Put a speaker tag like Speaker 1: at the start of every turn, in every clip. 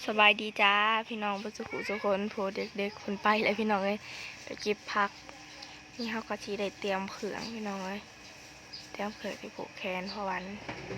Speaker 1: สบายดีจ้าพี่น้องประสุขุทุกคนโผเด็กๆคนไปเลยพี่น้องเลยไปเก็บผักนี่เขาก็ชีได้เตรียมเขืองพี่น้องเลยเตรียมเขืองไปผูกแขนเพราะวัน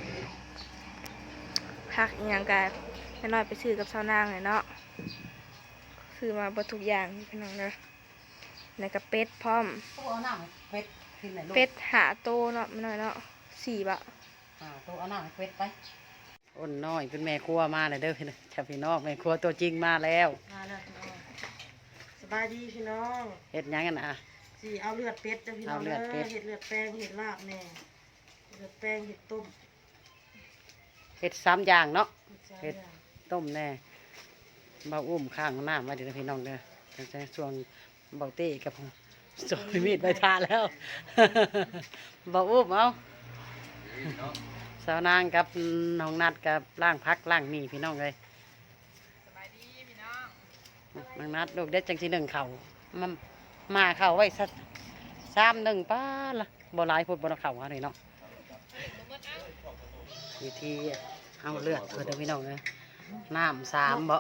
Speaker 1: ผักอย่างกันแม่น้อยไปซื้อกับชาวนางเลยเนาะซื้อมาบรทุกอย่างพี่น้องเลยในกระเป็ดพร้อม
Speaker 2: ตัวหน้าเป็ดกินไหนลูก
Speaker 1: เป็ดหาโตเนาะแม่น้อยเนาะ4 บาท
Speaker 2: ตัวเอาหน้าเป็ดไปอ้นน้อยเป็นแม่ครัวมาเลยเด้อพี่น้องชาวพี่น้องแม่ครัวตัวจริงมาแล้ว
Speaker 3: พี่น้องสบายดีพี่น้อง
Speaker 2: เฮ็ดยังกันนะ
Speaker 3: สิเอาเลือดเป็ดจ้ะพี่น้องเห็ดเลือดแป้งเห็ดลาบแน่เลือดแป้งเห็ดต้ม
Speaker 2: เฮ็ด3อย่างเนาะเฮ็ดต้มแน่เบาอุ้มข้างหน้ามาเดี๋ยวพี่น้องเด้อตั้งแต่ช่วงเบาเต้กับโจยมีดไปทาแล้วเบาอุ้มเอาสาวนางกับน้องนัดกับล่างพักล่างมีพี่น้องเลย
Speaker 1: สบายดีพี่น้อง
Speaker 2: น้องนัดลูกเด็ดจังที่1เข่ามาเข่าไว้สัก3-1ป้าละบ่หลายพูดบ่เข่าอะไรเนาะวิธีเอาเลือดเพื่อพี่น้องเลยน้ำ3บ่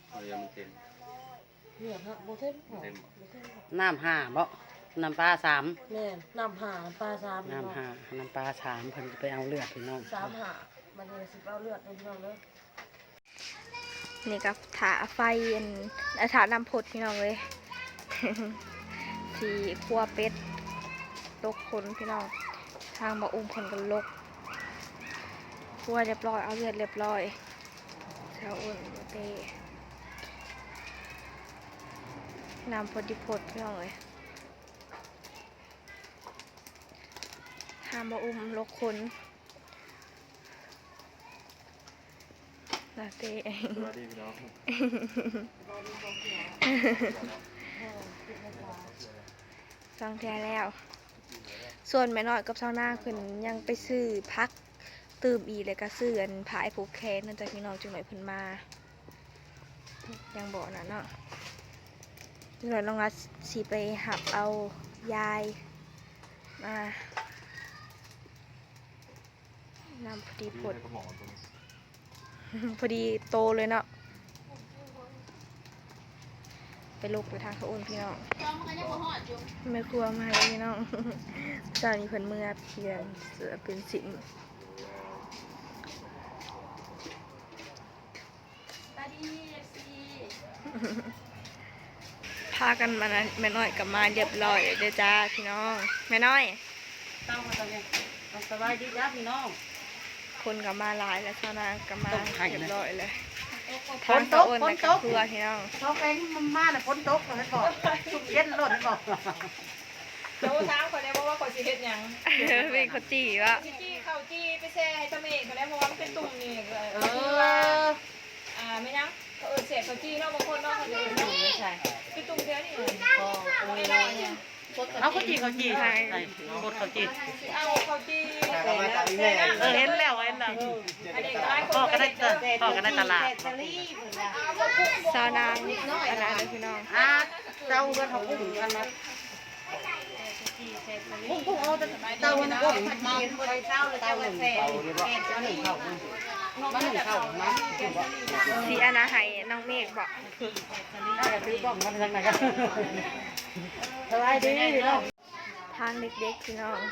Speaker 3: เลือดฮะโบเท่น
Speaker 2: น้ำ5บ่น้ำปลา3
Speaker 3: แม่น้ำห่าปลา3
Speaker 2: น้ำ5น้ำปลา3เพิ่นไปเอาเลือดพี่น้อง
Speaker 3: 3ห่ามันจะสิเอาเลือดพี่น้องเลย
Speaker 1: นี่กับถาไฟถานำพดพี่น้องเลย ที่คั่วเป็ดลกคนพี่น้องทางบ่อุ้มคนกันลกคั่วเรียบร้อยเอาเลือดเรียบร้อยชาวอุ่นเต้น้ำพดดิพดพี่น้องเลยทางบ่อุ้มลกคนลาเต้สวัสดีพี่น้องฟังแท้แล้วส่วนแม่น้อยกับชาวนาขึ้นยังไปซื้อพักตื่มอีเลยก็ซื้ออันผายผูกแขนนั่นจากพี่น้องจังหน่อยเพิ่นมายังบอกนะเนาะจังหน่อยลองรัดสีไปหับเอายายมาน้ำพอดีพดพอดีโตเลยเนาะไปลุกไปทางเขาอุ่นพี่น้องไม่ครัวมาเลยพี่น้องเจ้านี้เพิ่นเมื่อเพียงเสือเป็นสินพากันมาแม่น้อยกับมาเรียบร้อยเด้อจ้าพี่น้องแม่น้อย
Speaker 2: ตั้งมาตอนนี้สบายดีจ้าพี่น้อง
Speaker 1: คนกับมาหลายแล้วชาวนากับมาเรียบร้อยเลย
Speaker 2: ฝนตกฝนตก
Speaker 1: ครัวพี่น้อง
Speaker 2: เขาแกงมันมาเลยฝนตกเลยบอกชุบเย็นรถบอก
Speaker 4: โจ้ช้างคนนี้เพราะว่าคนสิเฮ็ดหยัง
Speaker 1: เป็นข้าวจี่วะ
Speaker 4: จี้ข้าวจี้ไปแช่ให้ตะเมฆเขาแล้วเพราะว่ามันเป็นตุ่มนี่ไม่ยังเขาเสียข้าวจี้เนาะบางคนเนาะเขาจะไม่ใช่เป็นตุ่มเดียวนี่
Speaker 2: เอาข้าวจี่ใช่กดข้าวจี่
Speaker 4: เอาข้าวจี้
Speaker 2: เห็นแล้วพ่อก็ได้ตลาด
Speaker 1: ซาวนางอะไรเลยพี่น้อง
Speaker 2: เจ้าเงินเขากุ้งกันนะกุ้งเอาเจ้าเงินกุ้งมาไปเช้าเลยเจ้าเงินแสนมาหนึ่งเข้ามา
Speaker 1: สีอนาไห้น้องเมฆบอก
Speaker 2: ซื้อกล้องมาทางไหนกันสบายดีพี่น้อง
Speaker 1: ทางเด็กๆพี่น้อง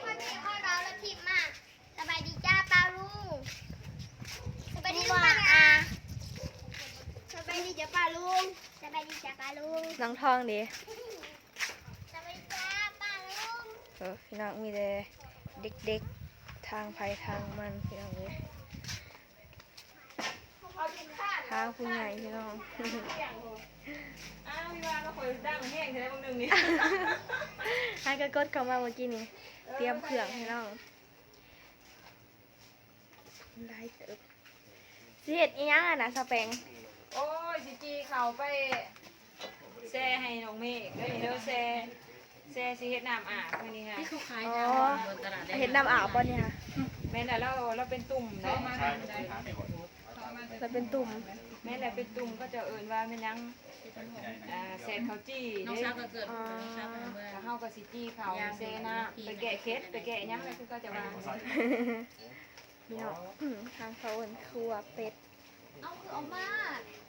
Speaker 5: สบายดีจ้าป้าลุงสบายดีป้าสบายดีจ้าป้าลุงสบายดีจ้าป้าลุง
Speaker 1: น้องทองดิ
Speaker 5: สบายดีจ้าป้าลุง
Speaker 1: พี่น้องมีแต่เด็กๆทางไผ่ทางมันพี่น้องเลยทางผู้ใหญ่พี่น้อง
Speaker 4: พี่ว่าเราคอยดังแห้งใช่ไหมบางนึงนี่
Speaker 1: ให้กระกดเข้ามาเมื่อกี้นี่เตรียมเครื่องพี่น้องได้เติบเสียดอีหยังอ่ะนะสเปง
Speaker 4: โอ้ยจีเขาไปแช่ให้น้องเมฆแล้วเดี๋ยวแช่สิเฮ็ดน้ำอาบนี่ค่ะ
Speaker 1: เห็นน้ำอาบป่ะเนี่ย
Speaker 4: แม่แต่เราเป็นตุ่มนะ
Speaker 1: เราเป็นตุ่ม
Speaker 4: แม่แต่เป็นตุ่มก็จะเอิญว่ามันยังเศษเขาจี้น้องชาก็เกิดถ้าเข้ากับสิจี้เขาเซน่ะไปแกะเคสไปแกะยังอะไรก็จะวาง
Speaker 1: เนาะทางเขาครัวเป็ด
Speaker 5: เอาคือออกมา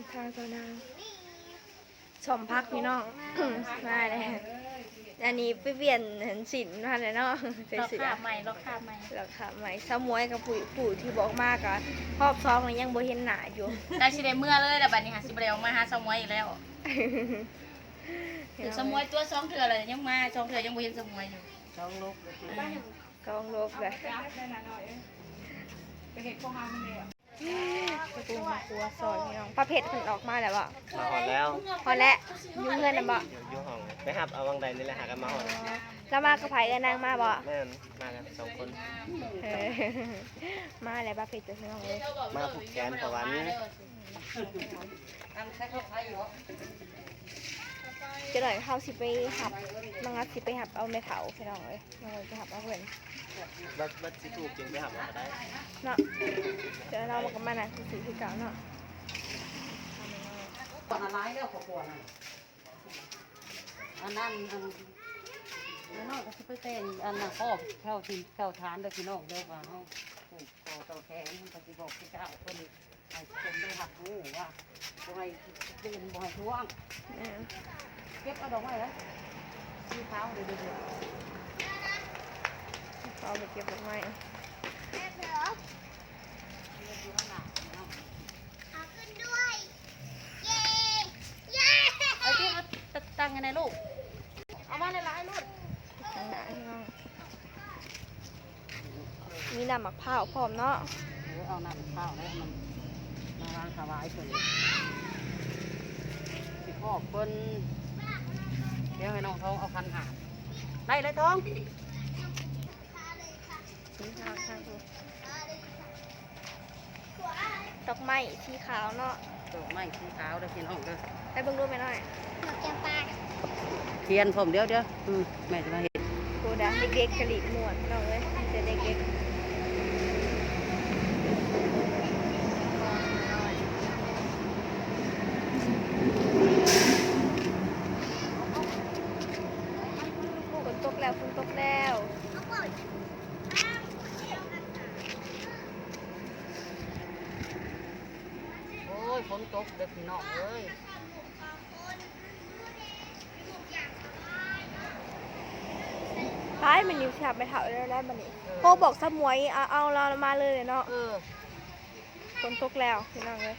Speaker 1: ทางเจ้านางสมพักพี่น้อง มาเลยอันนี้ไปเปลี่ยนเห็นสินมาเลยเนาะใส่เสื้อ
Speaker 5: ใหม่ราคาใหม่
Speaker 1: ราคาใหม่สมวยกับผู้ที่บอกมากอะรอบซองมันยังบ่เห็นหนาอยู่
Speaker 6: ได้สิได้เมื่อเลยแต่บัดนี้หาสิบ่ได้ออกมาหาสมวยอีกแล้วถึงสมวยตัวสองเถื่อเลยยังมาสองเถื่อยังบ่เห็นสมวยอยู่
Speaker 2: ช่องลูก
Speaker 1: กองลบเลย
Speaker 4: ไปเห็นพวกมันเลย
Speaker 1: กระปุกมะกรัวซอยพี่น้องปลาเผ็ดมันออกมาแล้วบ่
Speaker 7: มาหอดแล้ว
Speaker 1: พอแล้วยุ่งเงินน่ะบ่
Speaker 7: อยู่ห้องไปหับเอาวังใดนี่แหละหากันมาหอด
Speaker 1: แล้วมากระไผเอ้นางมาบ่
Speaker 7: แม่นมากันสองคน
Speaker 1: เออมาแล้วปลาเผ็ดจะพี่น้องเลย
Speaker 7: มาผูกแขนประวัน
Speaker 2: ทำแค่ข้าวไข่เหรอ
Speaker 1: จะหน่อยเขาสิไปหับมังงัดสิไปหับเอาแม่เถาพี่น้องเลยมังงัดไปหับเอาเพื่อน
Speaker 7: บัดสิถูกจึงไปหับเอาได้
Speaker 1: เนาะเดี๋ยวเรามากับมันนะสีที่เก่าเนาะ
Speaker 2: ตอนอะไรแล้วขวดอันนั้นอันนั้นก็สิไปเป็นอันนั้นพ่อเข้าทีเข้าทานเด้อพี่น้องเด้อว่าเฮาปลูกคอเต่าแข็งมันก็สิบอกพี่เจ้าคนให้คนได้หักหูว่าบ่ให้ตื่นบ่ให้ท้วง
Speaker 1: เออ
Speaker 2: เก็บเอาดอกไม้แล้วสีขาวเดือด
Speaker 1: เขาเอาไปเก็บดอกไม้
Speaker 5: เอาขึ้นด้วย เย้เย้
Speaker 2: ๆเอาที่เอาตั้งกันในลูกเอามาหลายๆลูก
Speaker 1: ข้างหน้าพี่น้องมีน้ำหมักเผาวพร้อมเนาะ
Speaker 2: เอาน้ำข้าวแล้วมันมาวางถวายเพิ่นสิพ่อเพิ่นเดี๋ยวให้น้องท้องเอาคันหาได้เลยท้อง
Speaker 1: สีขาวทางดูดอกไม้สีขาวเนาะ
Speaker 2: ดอกไม้สีขาวเด้อพี่น้องเด้อ
Speaker 1: ไปเบิ่งรูปไปหน่อย
Speaker 5: ดอกจำปา
Speaker 2: เทียนผมเดี๋ยวแม่จะมาเห็น
Speaker 1: โกดังเด็กๆกะหรี่ม่วนพี่น้องเลยมีแต่เด็กๆฝนตกแล้วฝนตกแล้ว
Speaker 2: โอ้ยฝนตกเด้อพี่น้องเอ้ย
Speaker 1: ท้ายมันอยู่แถบไปเถาแล้วมันนี่โคบอกสมวยเอาเรามาเลยเนาะฝนตกแล้วพี่น้องเลย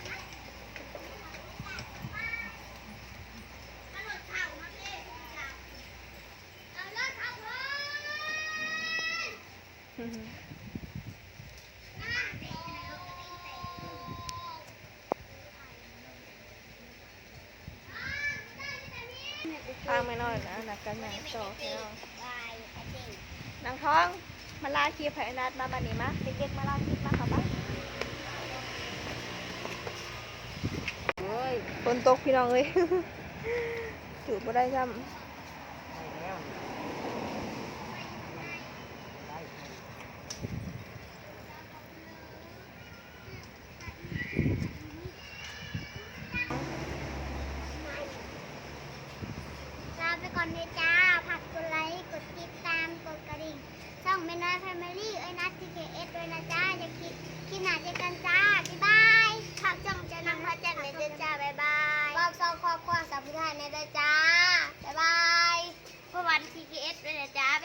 Speaker 1: ทางไม่น้อยนะนักกันหนังต่อพี่น้องนางท้องมาลาคีไผ่นัดมาบันนี้มาเด็กๆมาลาคีมาค่ะบ้า
Speaker 2: เอ้ย
Speaker 1: ฝนตกพี่น้องเลย ถือบ่ได้ซ้
Speaker 2: ได้แล้วได้
Speaker 5: ลาไปก่อนเลยจ้าผักกดไลค์ กดติดตาม กดกระดิ่งช่องแม่น้อยแฟมิลี่เอ้ยนัดทีเคเอสด้วยนะจ้า อย่าคิดหนาเจอกันจ้า บ๊ายบายผักจ่องจะนำพระแจ้งเลยเด้อจ้า บ๊ายบายบอกสองครอบครัวสัมพุทธายในเด้อจ้า บ๊ายบายเมื่อวันทีเคเอสด้วยนะจ้า